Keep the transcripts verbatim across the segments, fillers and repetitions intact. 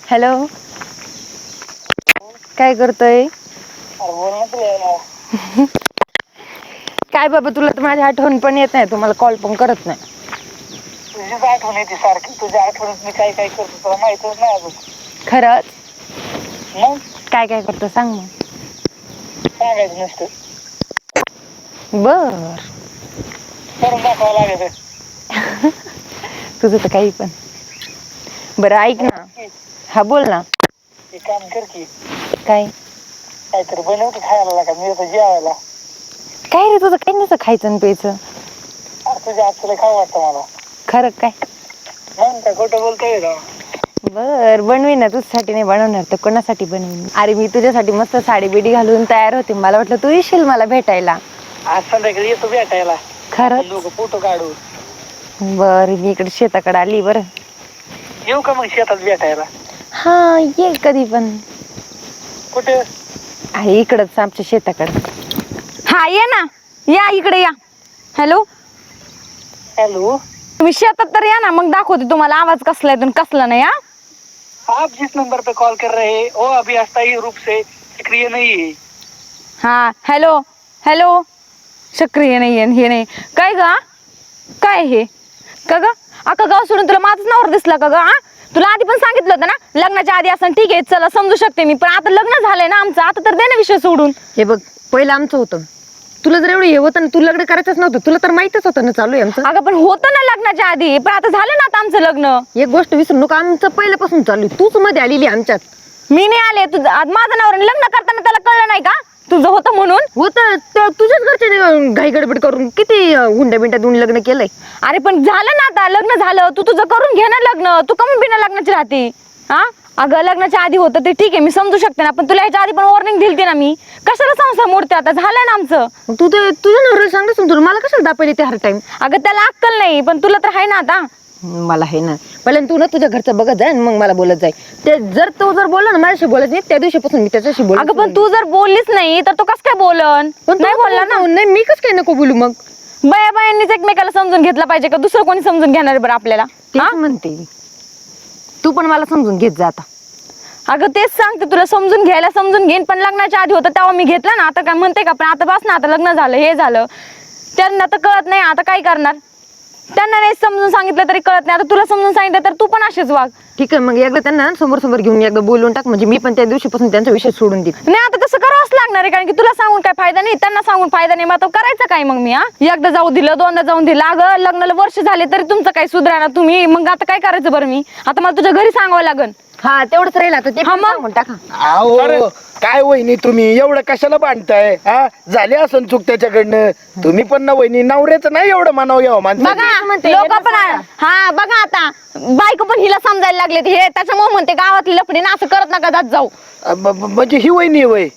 Hello, काय करतोय? काय बाबा, तुला तर माझी आठवण पण येत नाही, तुम्हाला कॉल पण करत नाही. तुझीच आठवण येते सारखी. तुझ्या आठवणीत मी काय काय करतो तुला माहितच नाही अजून. खरंच? मग काय काय करतो सांग मग. सांगायचं नसतं, बर. करून दाखवावं लागेल. तुझं तर काही पण. बरं ऐक ना. हा बोल ना. एक काम कर की, काय? काहीतरी बनव की खायला लागा, मी येतो जेवायला. काय रे, तुझं काही नसतं खायचं आणि प्यायचं. अरे तुझ्या हातचं लय खावं वाटतं मला. खरं काय? मग काय खोटं बोलतोय का? बर, बनवीन ना. तुझ्यासाठी नाही बनवणार तर कोणासाठी बनवीन? अरे मी तुझ्यासाठी मस्त साडी बिडी घालून तयार होते, मला वाटलं तू येशील मला भेटायला. आज संध्याकाळी येतो भेटायला. खरंच? आपण दोघं फोटो काढू. बर, मी इकडे शेताकडे आली. बरं येऊ का मग शेतात भेटायला? हा, ये कधी पण. कुठे? आहे इकडंच आमच्या शेताकडे. हा ये ना, या इकडे या. हॅलो हॅलो, तुम्ही शेतात तर या ना, मग दाखवते तुम्हाला आवाज कसला आहे कसला नाही. हा आप जिस नंबर पे कॉल कर रहे हैं वो अभी अस्थायी रूप से सक्रिय नहीं है. हा हॅलो हॅलो, सक्रिय नाही आहे हे नाही काय ग? काय हे का ग? अख्खा गाव सोडून तुला माझंच नावर दिसला का ग? हा, तुला आधी पण सांगितलं होतं ना, लग्नाच्या आधी असं ठीक आहे चला समजू शकते मी, पण आता लग्न झालंय ना आमचं, आता तर दे ना विषय सोडून. हे बघ, पहिलं आमचं होतं, तुला जर एवढं हे होतं ना, तू लग्न करायचंच नव्हतं, तुला तर माहितच होतं ना चालू आहे आमचं. अगं पण होतं ना लग्नाच्या आधी, पण आता झालं ना आता आमचं लग्न. एक गोष्ट विसरू नका, आमचं पहिल्यापासून चालू आहे, तूच मध्ये आलेली आमच्यात. मी नाही आले, तुझं माझं नावर लग्न करताना त्याला कळलं नाही का तुझं होतं म्हणून? होतं, तुझ्याच घरचे घाई गडबड करून किती हुंड्या बिंड्या देऊन लग्न केलंय. अरे पण झालं ना आता, लग्न झालं, तू तुझं करून घे ना लग्न, तू कमी बिना लग्नाची राहते. हा अगं, लग्नाच्या आधी होतं ते ठीक आहे, मी समजू शकते ना, पण तुला ह्याच्या आधी पण वॉर्निंग दिली ना मी, कशाला संसार मोडते आता, झालंय ना आमचं. तू ते तुझ्या नवऱ्याला सांगतेस तुला, मला कशाला दापायला ते हर टाइम? अगं त्याला अक्कल नाही, पण तुला तर आहे ना आता. मला आहे ना, पहिल्यांदा तू ना तुझ्या घरचं बघत जाय, मग मला बोलत जाय. ते जर तो जर बोलला ना माझ्याशी बोलत नाही, त्या दिवशीपासून मी त्याच्याशी बोल. अगं पण तू जर बोललीच नाही तर तो कस काय बोलन? नाही बोलला ना. नाही, मी कस काय नको बोलू मग? बाया बायांनीच एकमेकाला समजून घेतला पाहिजे का दुसरं कोणी समजून घेणार आहे बरं आपल्याला? तेच म्हणते, तू पण मला समजून घेत जा आता. अगं तेच सांगते तुला, समजून घ्यायला समजून घेईन, पण लग्नाच्या आधी होतं तेव्हा मी घेतलं ना, आता काय म्हणते का? पण आता बस ना, आता लग्न झालं, हे झालं, त्यांना तर कळत नाही, आता काय करणार? त्यांना नाही समजून सांगितलं तरी कळत नाही, आता तुला समजून सांगितलं तर तू पण असेच वाग. ठीक आहे, मग एकदा त्यांना समोर समोर घेऊन एकदा बोलून टाक, म्हणजे मी पण त्या दिवशीपासून त्यांचा विषय सोडून देईन. नाही आता तसं करावंच लागणार आहे, कारण की तुला सांगून काय फायदा नाही, त्यांना सांगून फायदा नाही, मग आता करायचं काय मग मी? हा, एकदा जाऊ दिलं, दोनदा जाऊन दिलं, अगं लग्नाला वर्ष झाले तरी तुमचं काही सुधारा ना तुम्ही, मग आता काय करायचं बरं मी? आता मला तुझ्या घरी सांगावं लागन. हा तेवढंच राहील आता, ते सांगून टाका. अहो काय वहिनी, तुम्ही एवढं कशाला बांधताय? हा, झाली असं चूक त्याच्याकडनं, तुम्ही पण ना वहिनी, नवऱ्याचं नाही एवढं मानाव घ्यावं माणसं. बघा लोक पण, हा बघा आता बायको पण हिला समजायला लागले, हे त्याच्यामुळे म्हणते गावातली लफडी ना, असं करत नका जात जाऊ. म्हणजे ही वहिनी वय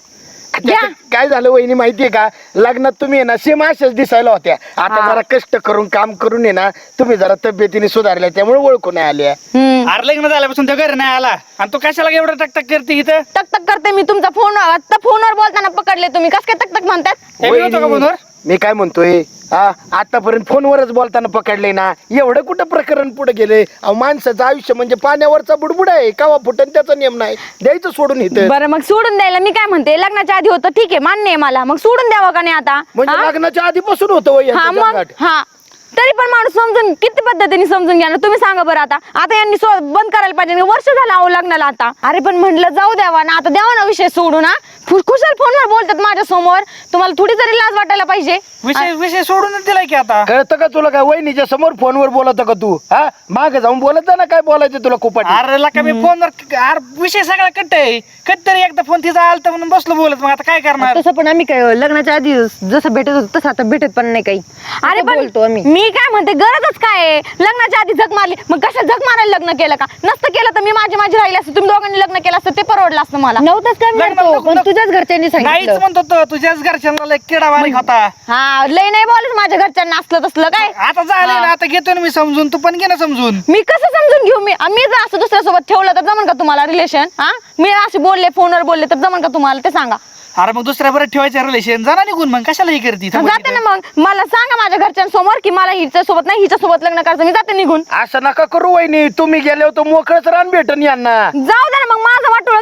काय झालं वहिनी माहितीये का, लग्नात तुम्ही आहे ना सेम अशाच दिसायला होत्या, आता जरा कष्ट करून काम करून आहे ना तुम्ही जरा तब्येतीने सुधारल्या, त्यामुळे ओळखून आल्या. अरे लग्न झाल्यापासून तो घरी नाही आला आणि तू कशाला एवढं टकटक करते इथं? तक करते मी, तुमचा फोन आता फोनवर बोलताना पकडले तुम्ही, कस काय तक तक म्हणतात? वहिनी, मी काय म्हणतोय, हा आतापर्यंत फोनवरच बोलताना पकडले ना, एवढं कुठं प्रकरण पुढे गेले? अहो माणसाचं आयुष्य म्हणजे पाण्यावरचा बुडबुड आहे, कावा फुटन त्याचा नियम नाही, द्यायचं सोडून इथं. बरं मग सोडून द्यायला मी काय म्हणते, लग्नाच्या आधी होतं ठीक आहे, मान्य आहे मला, मग सोडून द्यावं का नाही आता? म्हणजे लग्नाच्या आधीपासून होतं वय हा मग, हा तरी पण माणूस समजून किती पद्धतीने समजून घ्या ना, तुम्ही सांगा बरं आता. आता यांनी बंद करायला पाहिजे, वर्ष झालं अहो लग्नाला आता. अरे पण म्हटलं जाऊ द्यावा ना, आता द्यावा ना विषय सोडून. हा खुशाल फोनवर बोलतात माझ्या समोर, तुम्हाला थोडी तरी लाज वाटायला पाहिजे. विषय विषय सोडूनच दिलाय की आता. कळतं का तुला? काय वहिनीच्या समोर फोनवर बोलत का तू? हा मागे जाऊन बोलत जा ना, काय बोलायचं तुला खूप. अरे लका मी फोनवर, अरे विषय सगळा कट आहे, कट तरी एकदा फोन तिचा आलता म्हणून बसलो बोलत, मग आता काय करणार? तसं पण आम्ही काय लग्नाच्या आधी जसं भेटत होतो तसं आता भेटत पण नाही काही. अरे बोलतो आम्ही, मी काय म्हणते गरजच काय? लग्नाच्या आधी झक मारली, मग कशा झक मारायला लग्न केलं का? नसतं केलं तर मी माझी माझी राहिली असते, तुम्ही दोघांनी लग्न केलं असतं ते परवडलं असतं मला. नव्हतंच काय, पण तुझ्याच घरच्यांनी नाहीच म्हणतो तो, तुझ्याच घरच्यांना लय किडा बारीक होता. हा लय नाही बोलत माझ्या घरच्यांना असलं तसलं काय. आता झालं ना, आता घेतो ना मी समजून, तू पण घे ना समजून. मी कसं समजून घेऊ? मी मी जर असं दुसऱ्यासोबत ठेवलं तर जमन का तुम्हाला रिलेशन? हा मी असे बोलले फोनवर बोलले तर जमन का तुम्हाला, ते सांगा. अरे मग दुसऱ्या बरं ठेवायचं रिलेशन, जाणार निघून, मग कशाला हे करते? जाते ना, मग मला सांगा माझ्या घरच्यांसमोर की मला हिच्या सोबत नाही हिच्या सोबत लग्न करायचं, मी जाते निघून. असं नका करू वहिनी, तुम्ही गेले होतो मोकळच रान भेटन यांना. जाऊ दे ना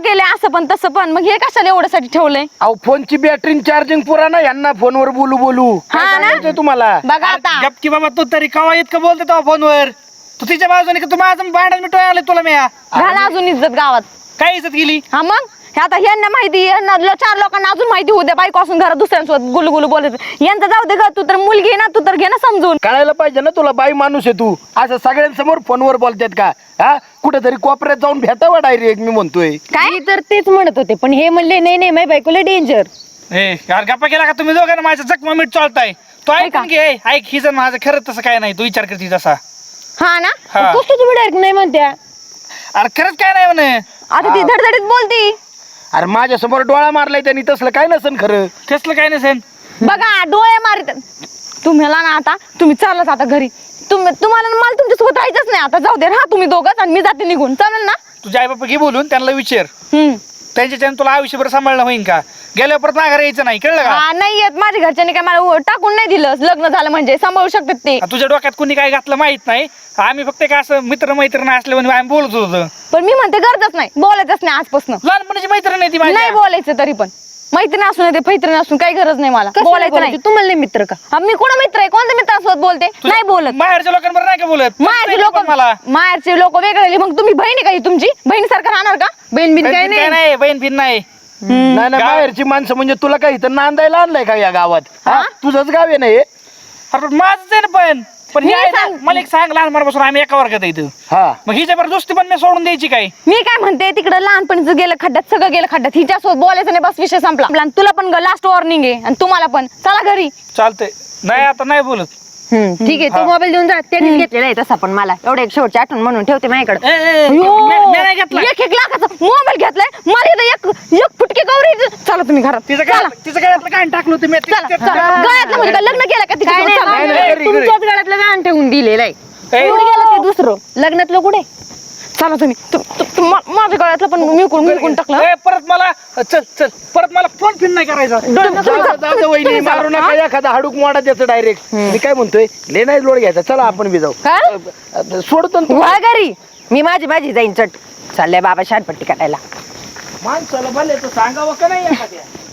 केले असं पण तसं पण, मग हे कशाला एवढ्यासाठी ठेवलंय? अहो फोनची बॅटरी चार्जिंग पुरा ना, यांना फोनवर बोलू बोलू काय हा ना? सांगायचंय तुम्हाला? बघा आता गप की बाबा, तू तरी कवा इतकं बोलतो तेव्हा फोनवर? तू तिच्या बाजूने का तू माझं भांडण मिटवाय आले तुला मी? घाला अजून इज्जत गावात. काय इज्जत गेली? हा मग हे आता यांना माहिती, यांना लो- चार लोकांना अजून माहिती होऊ द्या, बायको असून घरात दुसऱ्यांसोबत गुलू गुलू बोलत. यांचं जाऊ दे ग, तू तर मुलगी आहे ना, तू तर घे ना समजून. कळायला पाहिजे ना तुला, बाई माणूस आहे तू, असं सगळ्यांसमोर फोनवर बोलतात का? हा कुठेतरी कोपऱ्यात जाऊन भेटावा डायरेक्ट, मी म्हणतोय. काय मी तर तेच म्हणत होते, पण हे म्हणले नाही नाही माझ्या बायकोला डेंजर. ए यार गप्पा केला का तुम्ही दोघांना? माझ्या जखमा मीठ चालताय. तो ऐक ऐका. की, ए, ऐक ही जण माझं खरंच तसं काय नाही, तू विचार करते तसा. हा ना? हा. कसं तुम्ही डायरेक्ट नाही म्हणत्या? अरे खरंच काय नाही म्हणे. आता ती धडधडीत बोलती. अरे माझ्या समोर डोळा मारलाय त्यांनी, तसलं काय नसन खरं. कसलं काय नसेल. बघा डोळे मारित. तुम्हाला ना आता तुम्ही चाललाच आता घरी. तुम्ही तुम्हाला ना मला तुमच्यासोबत राहायचंच नाही आता. जाऊ दे हा तुम्ही दोघंच, आणि मी जाते निघून. चालेल ना? तुझ्या आई बापा घे बोलून, त्यांना विचार हम्म. त्यांच्याच्यानं तुला आयुष्यभर सांभाळणं होईन का? गेल्यावर परत माघारी यायचं नाही, कळलं का? हा नाही येत, माझ्या घरच्यांनी काय मला उ- टाकून नाही दिलं. लग्न झालं म्हणजे सांभाळू शकतात ते. आ, तुझ्या डोक्यात कोणी काय घातलं माहित नाही. आम्ही फक्त काय असं मित्र मैत्रीण असल्यामुळे आम्ही बोलत होतो. पण मी म्हणते गरजच नाही, बोलायचंच नाही आजपासून. लहानपणीची मैत्रीण आहे ती माझी. नाही बोलायचं तरी पण. मैत्रीण असून ते मैत्रीण असून काही गरज नाही मला कशाला बोलायचं नाही. बोलायचं? तुम्हाला नाही मित्र का? हा, मी कोणा मित्र आहे? कोणत्या मित्रासोबत बोलते? तुझ्या नाही बोलत. माहेरच्या लोकांबरोबर नाही का बोलत? माहेरचे लोक मला माहेरचे लोक वेगळे. मग तुम्ही बहिणी काही तुमची बहिणीसारखं राहणार का? बहीण बिन काय बहीण नाही. काय नाही, बहीण बिन नाही. नाही नाही, गाव- बाहेरची माणसं म्हणजे तुला काय इथं नांदायला आणलंय का या गावात? हा हा? तुझंच गाव आहे ना हे? अरे पण माझंच आहे ना. पण पण हे मी आहे ना, सांग- मला एक सांग, लहानपणापासून आम्ही एका वर्गात आहे इथं. हा मग ही जबरदस्ती पण मी सोडून द्यायची काय? मी काय म्हणते, तिकडे लहानपणीचं गेलं खड्ड्यात, सगळं गेलं खड्ड्यात. हिच्यासोबत बोलायचं नाही, बस विषय संपला. आणि तुला पण लास्ट वॉर्निंग आहे, आणि तुम्हाला पण. चला घरी. चालतंय. नाही आता नाही बोलत. हम्म, ठीक आहे. तो हा. मोबाईल देऊन जा. त्यांनीच घेतलेला आहे तसा, पण मला एवढं एक शेवटची आठवण म्हणून ठेवते माझ्याकडे. ए, ए, ए, अयो, मी- मी नाही घेतला. एक एक लाखाचा मोबाईल घेतलाय. मला इथं एक एक फुटके गौरी. चला तुम्ही घरात. तिचं चला काय तिचं काय काय टाकलं तुम्ही? चला चला. गळ्यातलं म्हणजे काय लग्न केलं का काय तिच्यासोबत? नाही, चला. नाही, नाही, घरी, घरी. तुमच्याच गळ्यातलं गाण ठेवून दिलेलं आहे. ए, कुठे गेलं ते दुसरं लग्नातलं कुठे? चला तुम्ही. तु- तु- तु- मा- माझ्या गळ्यातलं पण मिळकून मिळकून टाकलं. ए, परत मला चल चल परत मला फोन फिन नाही करायचा. जाऊ दे वहिनी, मारू नका एखादा हाडूक मोडा त्याचं डायरेक्ट. मी काय म्हणतोय, ले नाही लोड घ्यायचा. चला आपण बी जाऊ. काय? सोडतो ना तू. वा घरी. मी माझी माझी जाईन चट. चाललंय बाबा शानपट्टी करायला. माणसाला भले तर सांगावं का नाही एखाद्या?